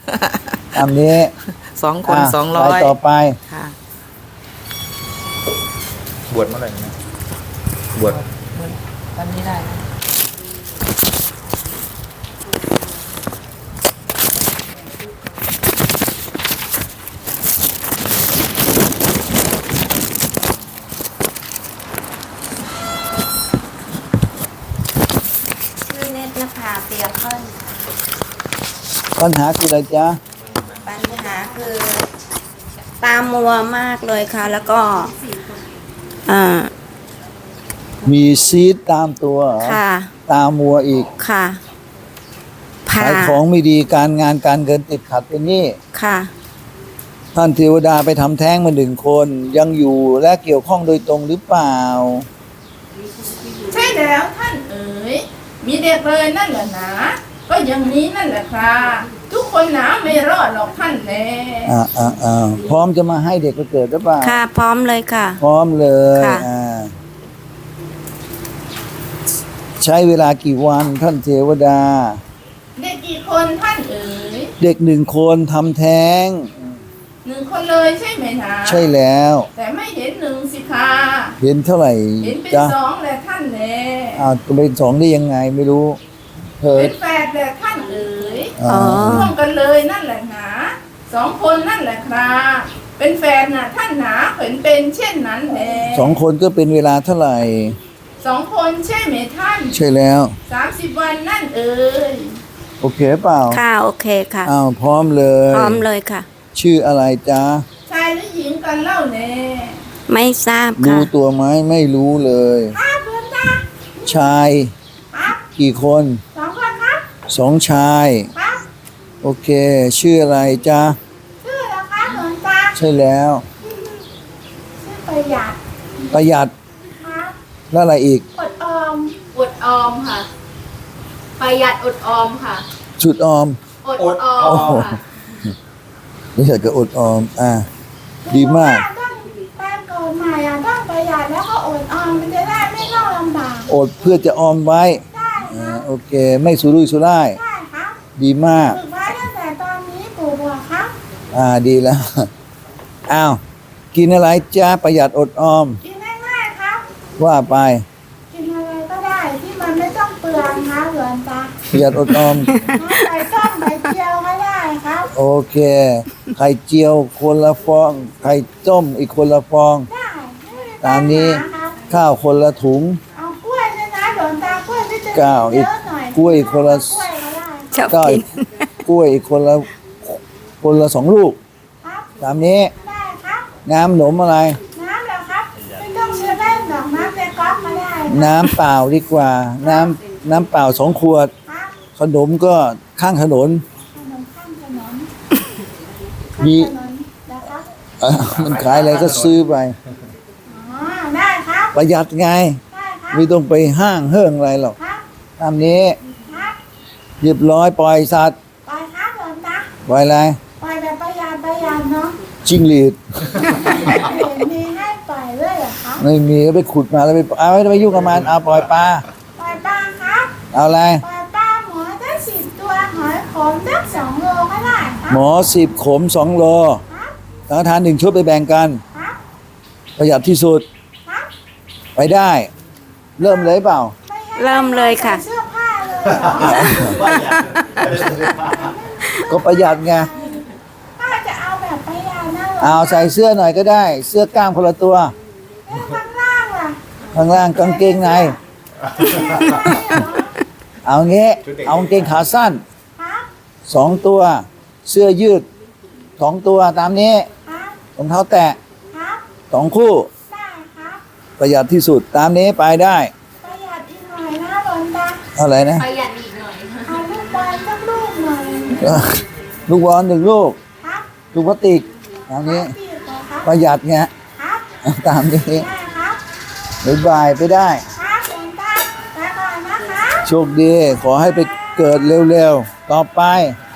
ตามนี้ 2 คน200 ไปต่อไปค่ะบวชเมื่อไหร่นะบวชวันนี้ได้นะชื่อเนตรนภาเตียเพิ่นปัญหาคืออะไรจ๊ะปัญหาคือตามัวมากเลยค่ะ แล้วก็อ่ามีซีดตามตัวเหรอค่ะตามัวอีกค่ะผ่าขายของไม่ดีการงานการเงินติดขัดเป็นหนี้ค่ะท่านเทวดาไปทำแท้งมา1 คนยังอยู่และเกี่ยวข้องโดยตรงหรือเปล่าใช่แล้วท่านเอ๋ยมีเด็กเลยนั่นแหละนะก็อย่างนี้นั่นแหละครับทุกคนนะไม่รอดหรอกท่านแน่พร้อมจะมาให้เด็กไปเกิดหรือเปล่าค่ะ พร้อมเลยค่ะพร้อมเลยค่ะใช้เวลากี่วันท่านเทวดาเด็กกี่คนท่านเอ๋ยเด็ก1 คนทำแท้ง 1 คนเลยใช่ไหมนะใช่แล้วแต่ไม่เห็น1สิคะเห็นเท่าไหร่เห็นเป็นจ๊ะ 2แหละท่านแน่จะเป็น2ได้ยังไงไม่รู้เถิเป็ดนแฝดแหละท่านเอ๋ยอ๋อร่วมกันเลยนั่นแหละนะ2 คนนั่นแหละครับเป็นแฝดน่ะท่านหนาเห็นเป็นเช่นนั้นแหละ 2 คนก็เป็นเวลาเท่าไหร่ 2 คนใช่ไหมท่านใช่แล้ว 30 วันนั่นเอ๋ยโอเคเปล่าค่ะ โอเคค่ะพร้อมเลยพร้อมเลยค่ะชื่ออะไรจ๊ะชายหรือหญิงกันเล่าแน่ไม่ทราบรู้ค่ะตัวไหมไม่รู้เลยครับเพื่อนจ้าชายครับกี่คน 2 คนครับ 2 ชายครับโอเค ชื่ออะไรจ๊ะชื่ออะไรครับเพื่อนจ้าใช่แล้วชื่อประหยัดประหยัดครับแล้วอะไรอีกอดออมอดออมค่ะ ประหยัดอดออมค่ะชุดออมอดออโอ้มโหค่ะไม่ใช่ก็อดออมดีมากต้องแปลงเกิดใหม่ต้องประหยัดแล้วก็อดออมมันจะได้ไม่ต้องลำบากอดเพื่อจะออมไว้ใช่ครับโอเค ไม่สุรุ่ยสุร่ายใช่ครับดีมากฝึกไว้ตั้งแต่ตอนนี้ปู่บอกครับดีแล้ว อ้าว กินอะไรจ้าประหยัดอดออมกินง่ายๆครับว่าไปกินอะไรก็ได้ที่มันไม่ต้องเปลืองครับเพื่อนจ้าประหยัดอดออมใส่ต้มใส่เจียวก็ได้ครับโอเค ไข่เจียวคนละฟอง ไข่ต้มอีกคนละฟองได้ไม่มีตามนี้ปัญหาครับข้าวคนละถุงเอากล้วยด้วยนะหลวงตากล้วยที่จะก้าวอีเยกอะหน่อยกล้วยคนละกล้วยก็ได้ชอบก็กินกล้วยอีกคนละ2 ลูกครับตามนี้ได้ครับน้ำหนมอะไรน้ำเหรอครับไม่ต้องเชื่อเล่นดอกน้ำในก๊อกก็ได้ครับน้ำเปล่าดีกว่า น้ำเปล่า2 ขวดครับขนมก็ข้างถนนขนมข้างถนนมีข้างถนนนะครับมันขายอะไรก็ซื้อไปอ๋อได้ครับประหยัดไงได้ครับไม่ต้องไปห้างเฮิ่งอะไรหรอกครับตามนี้ครับเรียบร้อยปล่อยสัตว์ปล่อยครับหลวงตาปล่อยอะไรปล่อยแบบประหยัดเนาะจิ้งหรีดเห็นมีให้ปล่อยด้วยเหรอครับไม่มีก็ไปขุดมาแล้วไม่ไปยุ่งกับมันเอาปล่อยปลาปล่อยปลาครับเอาอะไรปล่อยปลาหมอได้10 ตัวหอยขมได้2 โลก็ได้ครัหมอ10 ขม 2 โลครับสังฆทาน1 ชุดไปแบ่งกันครับประหยัดที่สุดครับไปได้ เริ่มเลยเปล่าไม่ให้เริ่มเลยค่ะใส่เสื้อผ้าเลยเหรอก็ประหยัดไงป้าจะเอาแบบประหยัดนะเหรอเอาใส่เสื้อหน่อยก็ได้ เสื้อกล้ามคนละตัวแล้วข้างล่างล่ะข้างล่างกางเกงใน เอางี้ เอากางเกงขาสั้นครับ 2 ตัว เสื้อยืด2 ตัวตามนี้ครับรองเท้าแตะครับ 2 คู่ได้ครับประหยัดที่สุดตามนี้ไปได้ประหยัดอีกหน่อยนะหลวงตาเท่าไหร่นะประหยัดอีกหน่อยค่ะเอาลูกบอลสักลูกหน่อยลูกบอล1 ลูกครับลูกพลาสติกตามนี้พี่เหรอครับประหยัดไงครับตามนี้ได้ครับบ๊ายบายไปได้ครับหลวงตาไปก่อนนะคะโชคดี ขอให้ไปเกิดเร็วๆ ต่อไปค